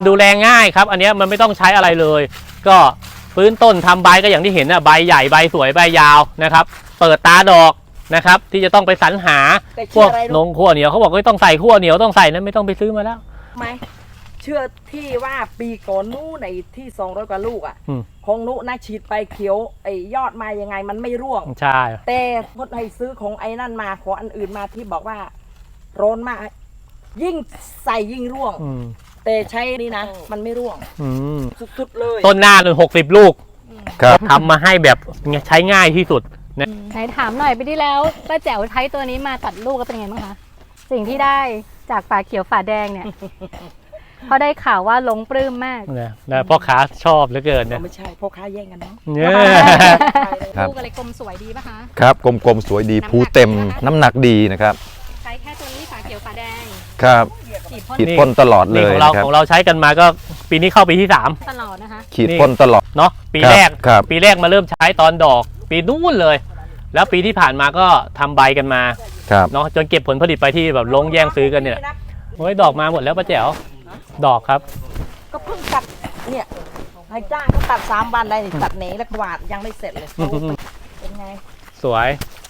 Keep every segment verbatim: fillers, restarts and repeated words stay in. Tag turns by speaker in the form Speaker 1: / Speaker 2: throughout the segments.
Speaker 1: ดูแลง่ายครับอันนี้มันไม่ต้องใช้อะไรเลยก็ฟื้นต้นทำใบก็อย่างที่เห็นนะใบใหญ่ใบสวยใบยาวนะครับเปิดตาดอกนะครับที่จะต้องไปสรรหาพวกนงขั้วเหนียวเขาบอกว่าต้องใส่ขั้วเหนียวต้องใส่นั้นไม่ต้องไปซื้อมาแล้ว
Speaker 2: ไหมเชื่อที่ว่าปีก่อนนู้นในที่สองร้อยกว่าลูกอ่ะของนู้นนะฉีดไปเขียวไอ้ยอดมายังไงมันไม่ร่วง
Speaker 1: ใช่
Speaker 2: แต่พดให้ซื้อของไอ้นั่นมาขออันอื่นมาที่บอกว่าร้อนมากยิ่งใส่ยิ่งร่วงแต่ใช้นี่นะมันไม่ร่วงสุดๆเลย
Speaker 1: ต้นหน้าหนึ่งหกสิบลูกทำมาให้แบบใช้ง่ายที่สุดนะ
Speaker 3: ไหนถามหน่อยไปที่แล้วป้าแจ๋วใช้ตัวนี้มาตัดลูกก็เป็นไงบ้างคะสิ่งที่ได้จากฝาเขียวฝาแดงเนี่ยเพราะได้ข่าวว่าหลงปลื้มมาก
Speaker 1: นะนะพ่อค้าชอบเหลือเกินนะ
Speaker 2: ไม่ใช่พ่อค้าแย่งกันเนาะ
Speaker 3: ลูกอะไรกลมสวยดีป่ะคะ
Speaker 4: ครับกลมๆสวยดีภูเต็มน้ำหนักดีนะครับ
Speaker 3: ใช้แค่ตัวนี้ฝาเขียวฝาแดง
Speaker 4: ครับขีดพ่นตลอดเลย
Speaker 1: ของเราของเราใช้กันมาก็ปีนี้เข้าปีที่สาม
Speaker 3: ตลอดนะคะ
Speaker 4: ขีดพ่นตลอด
Speaker 1: เนาะปีแรกปีแรกมาเริ่มใช้ตอนดอกปีนู้นเลยแล้วปีที่ผ่านมาก็ทำใบกันมาเนาะจนเก็บผลผลิตไปที่แบบลงแย่งซื้อกันเนี่ยโอ้ยดอกมาหมดแล้วป้าแจ๋วดอกครับ
Speaker 2: ก็เพิ่งตัดเนี่ยให้จ้างเขาตัดสามวันได้ตัดเนแล้วกวาดยังไม่เสร็จเลยเป็นไง
Speaker 1: สวย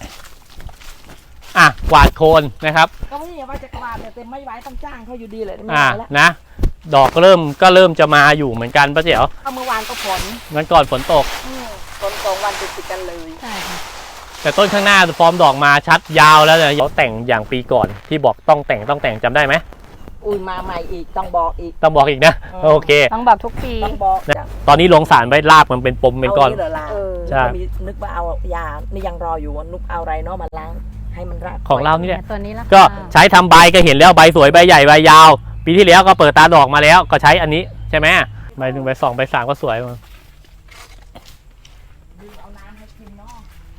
Speaker 1: อ่ะกวาดโคนนะครับ
Speaker 2: ก็ไม่ใช่ว่าจะกวาดเนี่ยแต่ไม่ไหวต้องจ้างเขาอยู่ดีเลยไม่
Speaker 1: ไหวแล้วนะดอกเริ่มก็เริ่มจะมาอยู่เหมือนกันป้าแจ๋ว
Speaker 2: เมื่อวานก็ฝน
Speaker 1: มันก่อนฝนตก
Speaker 2: ฝนสองวันติดกันเลย
Speaker 3: ใช่
Speaker 1: แต่ต้นข้างหน้าฟอร์มดอกมาชัดยาวแล้วเนี่ยเขาแต่งอย่างปีก่อนที่บอกต้องแต่งต้องแต่งจำได้ไหม
Speaker 2: อุ้ยมาใหม่อีกต้องบอกอีก
Speaker 1: ต้องบอกอีกนะโอเค
Speaker 3: ต้องบอกทุกปี
Speaker 2: ต้องบอก
Speaker 1: ตอนนี้ลงสารไว้ลาบมันเป็นปมเป็นก้อน
Speaker 2: ใช่นึกว่าเอายานี่ยังรออยู่นุกเอาอะไรเนาะมาล้างให้มันรัก
Speaker 1: ของเรานี่แหละ
Speaker 3: ตัวนี้ละ
Speaker 1: ก็ใช้ทำใบก็เห็นแล้วใบสวยใบใหญ่ใบยาวปีที่แล้วก็เปิดตาดอกมาแล้วก็ใช้อันนี้ใช่ไหมใบหนึ่งใบสองใบสามก็สวยมา